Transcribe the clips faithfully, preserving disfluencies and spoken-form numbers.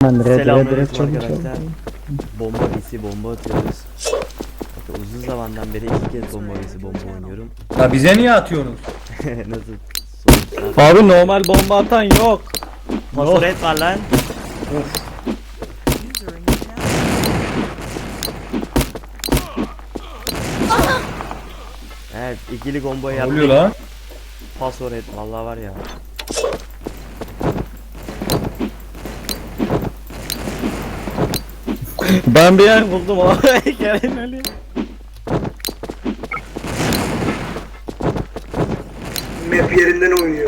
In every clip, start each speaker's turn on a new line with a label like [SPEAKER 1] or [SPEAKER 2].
[SPEAKER 1] Ben red red red
[SPEAKER 2] Selamünaleyküm
[SPEAKER 1] çabuk
[SPEAKER 2] arkadaşlar.
[SPEAKER 1] çabuk.
[SPEAKER 2] Bomba vs bomba atıyoruz. Bakın uzun zamandan beri ilk kez bomba vs bomba oynuyorum.
[SPEAKER 3] Ya bize niye atıyorsunuz?
[SPEAKER 2] Nasıl sonuçlar?
[SPEAKER 1] Abi normal bomba atan yok.
[SPEAKER 2] Pasoret var lan. Evet, ikili combo
[SPEAKER 3] Ne
[SPEAKER 2] yaptık.
[SPEAKER 3] oluyor lan?
[SPEAKER 2] Pasoret vallahi var ya.
[SPEAKER 1] Ben bir yer buldum abi. Gelin öyle.
[SPEAKER 4] Map yerinden oynuyor.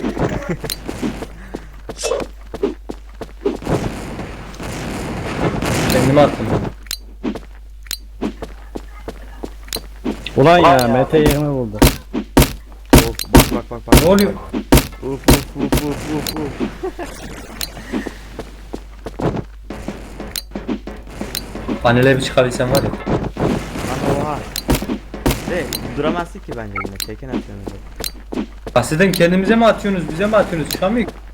[SPEAKER 3] Kendime attım.
[SPEAKER 1] Ulan ya Mete yerimi buldu.
[SPEAKER 2] Of, bak bak bak bak.
[SPEAKER 3] Ne oluyor?
[SPEAKER 2] Uf uf uf uf uf uf.
[SPEAKER 3] Panele bir çıkabilsem var ya.
[SPEAKER 2] Lan oha. De duramazsın ki bence yine. Tekken atıyorsunuz. zaten.
[SPEAKER 3] Bahseden kendimize mi atıyorsunuz, bize mi atıyorsunuz? Çıkamıyor ki.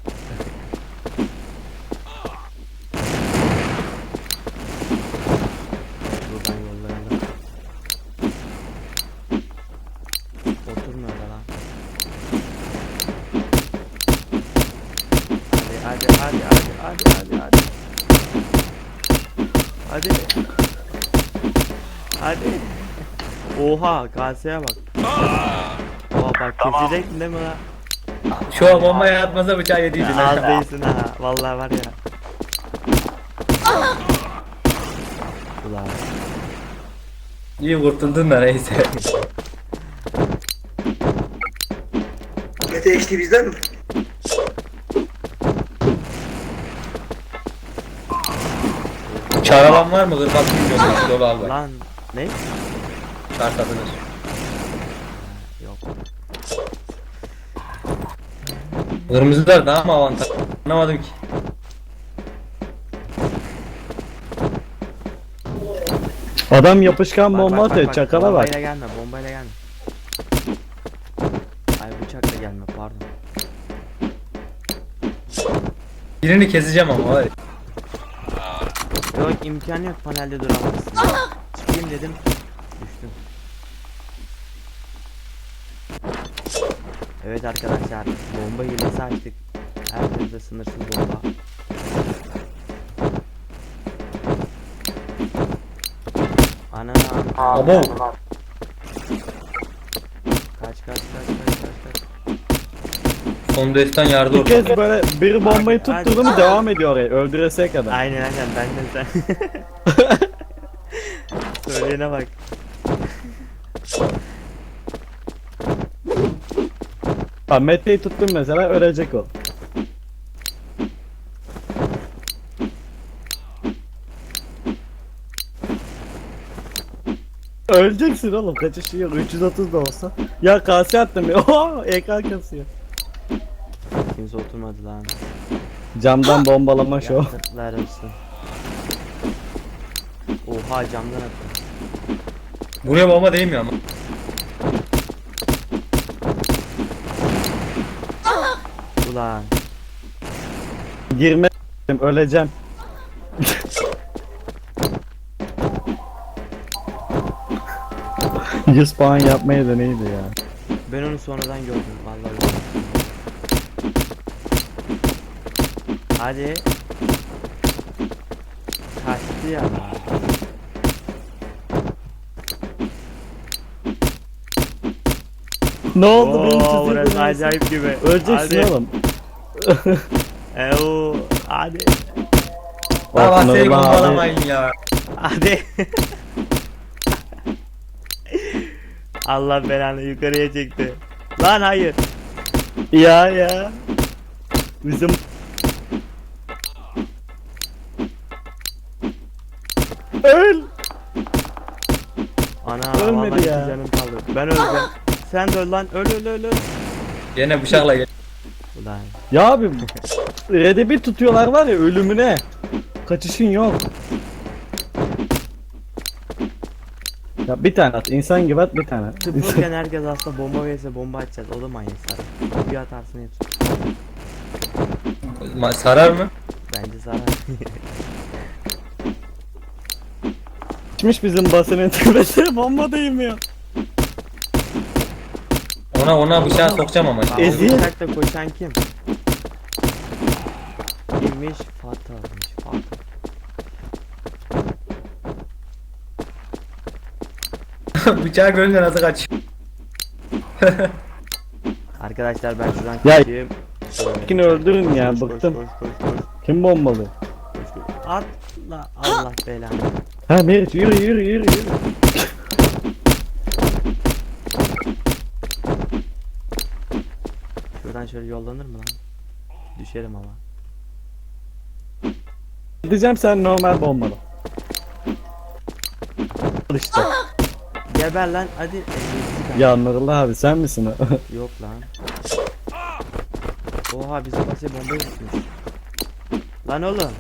[SPEAKER 2] Buradan yollayalım. Oturmuyor da lan. Hadi hadi hadi hadi hadi hadi hadi. Hadi. Hadi. Oha kaseye bak. Oha bak kesecektin değil mi lan?
[SPEAKER 3] Şu an bombaya atmasa bıçağı yediydin.
[SPEAKER 2] Ya, az değilsin ha. Vallahi var ya. Ulan.
[SPEAKER 3] İyi kurtuldun da neyse.
[SPEAKER 4] Mete işte bizden mi?
[SPEAKER 3] Çağıran var mı? kırk milyon dolar var.
[SPEAKER 2] Lan ne?
[SPEAKER 3] Çağır satılır.
[SPEAKER 2] Yok.
[SPEAKER 3] Kırmızılar daha mı avantaj? Anlamadım ki.
[SPEAKER 1] Adam yapışkan
[SPEAKER 2] Bak,
[SPEAKER 1] bomba
[SPEAKER 2] bak, bak,
[SPEAKER 1] atıyor
[SPEAKER 2] bak.
[SPEAKER 1] çakala bak.
[SPEAKER 2] Bombayla gelme, bombayla gelme. Ay bıçakla gelme, pardon.
[SPEAKER 3] Birini keseceğim ama var ya.
[SPEAKER 2] Yok imkanı yok panelde duramazsın. Çıkayım dedim. Düştüm. Evet arkadaşlar, bomba hilesi açtık. Herkeste sınırsız bomba. Ana
[SPEAKER 3] Abo.
[SPEAKER 2] kaç kaç kaç kaç kaç kaç.
[SPEAKER 3] Son destan yardı
[SPEAKER 1] Bir
[SPEAKER 3] orada.
[SPEAKER 1] kez böyle bir bombayı tutturdu mu devam ediyor oraya öldüreseye kadar.
[SPEAKER 2] Aynen aynen ben de sen. Söyleyene bak.
[SPEAKER 1] Ha Mete'yi tuttun mesela ölecek o. Öleceksin oğlum kaçışı yok üç yüz otuz da olsa. Ya kase attım ya. Oha ekran kasıyor.
[SPEAKER 2] Kimse oturmadı lan.
[SPEAKER 1] Camdan bombalama şov.
[SPEAKER 2] Yazıklar olsun. Oha camdan attı.
[SPEAKER 3] Buraya bomba değmiyor ama.
[SPEAKER 2] Ulan.
[SPEAKER 1] Girme öleceğim. yüz puan yapmaya da neydi ya.
[SPEAKER 2] Ben onu sonradan gördüm vallahi. Hadi. Kaçtı ya.
[SPEAKER 1] Ne oldu benim
[SPEAKER 2] Oo,
[SPEAKER 1] çizdiğim
[SPEAKER 2] burası
[SPEAKER 1] gibi?
[SPEAKER 2] acayip gibi.
[SPEAKER 1] Öleceksin
[SPEAKER 2] Hadi.
[SPEAKER 1] oğlum.
[SPEAKER 2] Eee hadi.
[SPEAKER 3] Baba
[SPEAKER 1] Bakın
[SPEAKER 3] seni
[SPEAKER 1] oğlum abi.
[SPEAKER 3] bombalamayın ya.
[SPEAKER 2] Hadi. Allah belanı yukarıya çekti. Lan hayır.
[SPEAKER 1] Ya ya. Bizim öl.
[SPEAKER 2] Ana
[SPEAKER 1] Ölmedi
[SPEAKER 2] vallahi
[SPEAKER 1] ya.
[SPEAKER 2] iki canım kaldı. Ben öleceğim. Sen de öl lan. Öl öl öl öl.
[SPEAKER 3] Gene bıçakla gel.
[SPEAKER 2] Ulan.
[SPEAKER 1] Ya abi Red'e bir tutuyorlar var ya ölümüne. Kaçışın yok. Ya bir tane at insan gibi at bir tane at.
[SPEAKER 2] Tıpkıken herkes aslında bomba verirse bomba atacağız. O da manyaklar. Bir atarsın hepsi.
[SPEAKER 3] Ma- Sarar mı?
[SPEAKER 2] Bence zarar.
[SPEAKER 1] Gitmiş bizim basının tepesine bomba değmiyor.
[SPEAKER 3] Ona ona bıçağı sokacağım ama.
[SPEAKER 2] Aa,
[SPEAKER 1] Eziyet.
[SPEAKER 2] o bıçakla koşan kim? Kimmiş? Fatih'miş. Fatih.
[SPEAKER 3] Bıçağı görünce nasıl kaç?
[SPEAKER 2] Arkadaşlar ben şuradan
[SPEAKER 1] Ya,
[SPEAKER 2] kaçayım.
[SPEAKER 1] Yine öldürün ya,
[SPEAKER 2] Koş, koş,
[SPEAKER 1] bıktım.
[SPEAKER 2] koş, koş, koş,
[SPEAKER 1] Kim bombalı?
[SPEAKER 2] koş, koş. Atla Allah belanı.
[SPEAKER 1] Ha Meriç yürü yürü yürü yürü.
[SPEAKER 2] Şuradan şöyle yollanır mı lan? Düşerim ama.
[SPEAKER 1] Diyeceğim sen normal bombalı. Al işte.
[SPEAKER 2] Geber lan hadi. Ezildik
[SPEAKER 1] Ya Nurullah abi sen misin o?
[SPEAKER 2] abi. Yok lan. Oha bizim basya bombayı tutmuş. Lan oğlum.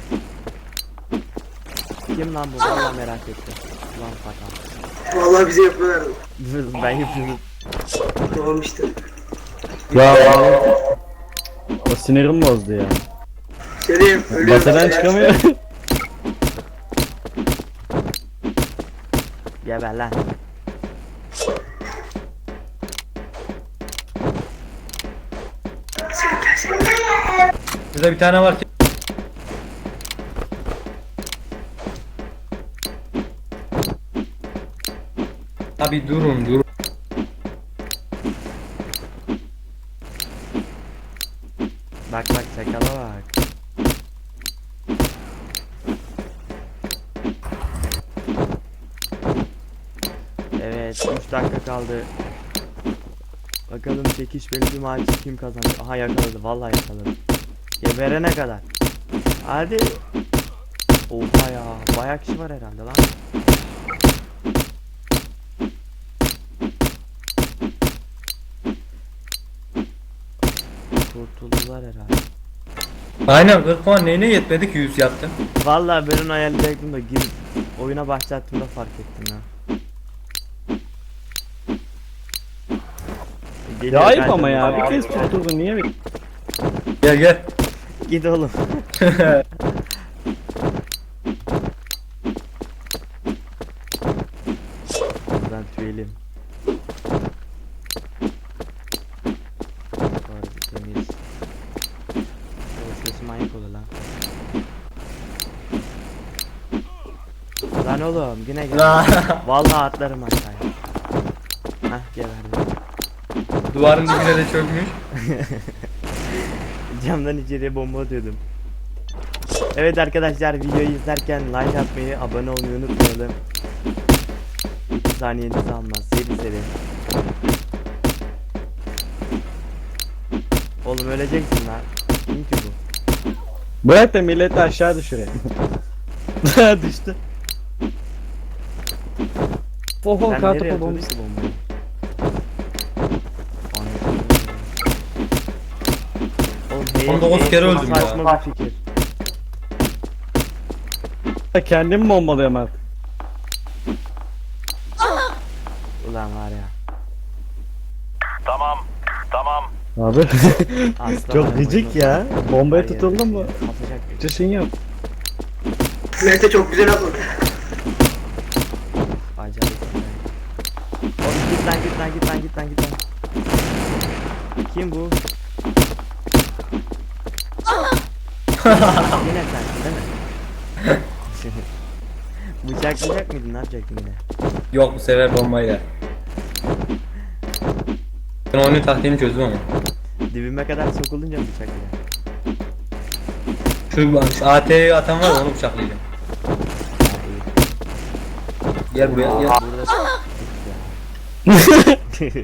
[SPEAKER 2] Kim lan bu? Vallahi merak ettim. Lan Fatih.
[SPEAKER 4] Vallahi bize yapıyorlardı.
[SPEAKER 2] Dur ben yapıyorum.
[SPEAKER 4] Tamam işte.
[SPEAKER 1] Ya o sinirim bozdu ya.
[SPEAKER 4] Söyleyeyim ölüyorum.
[SPEAKER 1] Basadan çıkamıyor.
[SPEAKER 2] Geber lan.
[SPEAKER 3] Burada bir tane var ki. Abi durun durun.
[SPEAKER 2] Bak bak çakala bak. Evet üç dakika kaldı. Bakalım çekişmeli bir maç kim kazanacak? Aha yakaladı vallahi yakaladı. Geberene kadar. Hadi. Oha ya bayağı kişi var herhalde lan. Kurtuldular herhalde.
[SPEAKER 3] Aynen kırk puan neyine yetmedi ki yüz yaptım.
[SPEAKER 2] Vallahi ben onu hayal edecektim de girip oyuna başlattığımda fark ettim ya. Geliyor
[SPEAKER 1] Ya ayıp
[SPEAKER 2] zaten.
[SPEAKER 1] ama ya bir kez tutturdun niye bir...
[SPEAKER 3] Gel gel.
[SPEAKER 2] Git oğlum. Buradan tüyelim. Orası temiz. Orası manyak olur lan. Lan oğlum yine gel. Vallahi atlarım aşağıya. Hah geberdim.
[SPEAKER 3] Duvarın dibine de çökmüş.
[SPEAKER 2] Camdan içeriye bomba atıyordum. Evet arkadaşlar videoyu izlerken like atmayı, abone olmayı unutmayalım. iki saniyenizi almaz. Seri seri. Oğlum öleceksin lan. Kim ki bu?
[SPEAKER 1] Bırak da milleti aşağı düşüreyim. Düştü. Oho
[SPEAKER 2] Sen nereye
[SPEAKER 1] kartopu
[SPEAKER 2] atıyordun
[SPEAKER 1] bombası.
[SPEAKER 2] ki bombayı? Oğlum hey,
[SPEAKER 3] on dokuz
[SPEAKER 2] hey,
[SPEAKER 3] kere
[SPEAKER 2] çok
[SPEAKER 3] öldüm ya.
[SPEAKER 2] saçma bir fikir.
[SPEAKER 1] Kendim bombalıyorum artık.
[SPEAKER 2] Ulan var ya.
[SPEAKER 5] Tamam, tamam.
[SPEAKER 1] Abi
[SPEAKER 2] Asla
[SPEAKER 1] çok
[SPEAKER 2] var,
[SPEAKER 1] gıcık
[SPEAKER 2] boynu-
[SPEAKER 1] ya. Bombaya
[SPEAKER 2] Her yere
[SPEAKER 1] tutuldun mu?
[SPEAKER 2] Atacak.
[SPEAKER 1] Çişin yok.
[SPEAKER 4] Mete çok güzel atladı.
[SPEAKER 2] Acayip. Oğlum git lan git lan git lan git lan git lan. Kim bu? Yine sensin değil mi? Bıçaklayacak mıydın? Ne yapacaktın yine?
[SPEAKER 3] Yok bu sefer bombayla. Ben oyunun taktiğini çözdüm ama.
[SPEAKER 2] Dibime kadar sokulunca mı bıçaklayacak?
[SPEAKER 3] Şu, şu A T'yi atan var ya, onu bıçaklayacağım. Gel buraya gel.
[SPEAKER 2] Burada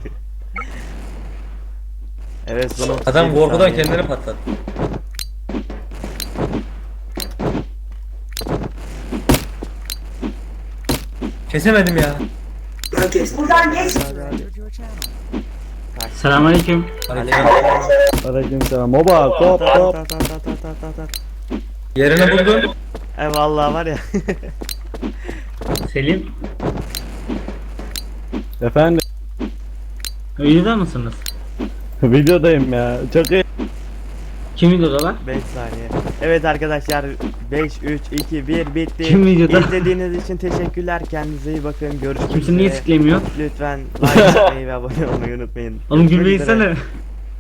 [SPEAKER 2] evet son otuz
[SPEAKER 3] Adam
[SPEAKER 2] yedi
[SPEAKER 3] korkudan
[SPEAKER 2] saniye.
[SPEAKER 3] kendini patladı. Kesemedim ya.
[SPEAKER 4] Ben kestim.
[SPEAKER 2] Hadi, hadi. Kaç.
[SPEAKER 6] Selamünaleyküm.
[SPEAKER 2] Aleyküm.
[SPEAKER 1] Aleykümselam. Oba kop
[SPEAKER 2] Ta ta
[SPEAKER 1] kop.
[SPEAKER 2] ta ta ta ta ta ta.
[SPEAKER 3] Yerini buldun.
[SPEAKER 2] E vallahi var ya.
[SPEAKER 6] Selim.
[SPEAKER 1] Efendim
[SPEAKER 6] Videoda mısınız?
[SPEAKER 1] videodayım ya. Çok iyi.
[SPEAKER 6] Kim videoda lan?
[SPEAKER 2] beş saniye. Evet arkadaşlar beş, üç, iki, bir bitti.
[SPEAKER 6] Kim videoda?
[SPEAKER 2] İzlediğiniz için teşekkürler. Kendinize iyi bakın. Görüşmek
[SPEAKER 6] Kimse niye
[SPEAKER 2] üzere.
[SPEAKER 6] siklemiyor?
[SPEAKER 2] Lütfen like atmayı ve abone olmayı unutmayın.
[SPEAKER 6] Oğlum
[SPEAKER 2] Görüşmek
[SPEAKER 6] gülmeyi
[SPEAKER 2] üzere.
[SPEAKER 6] sene.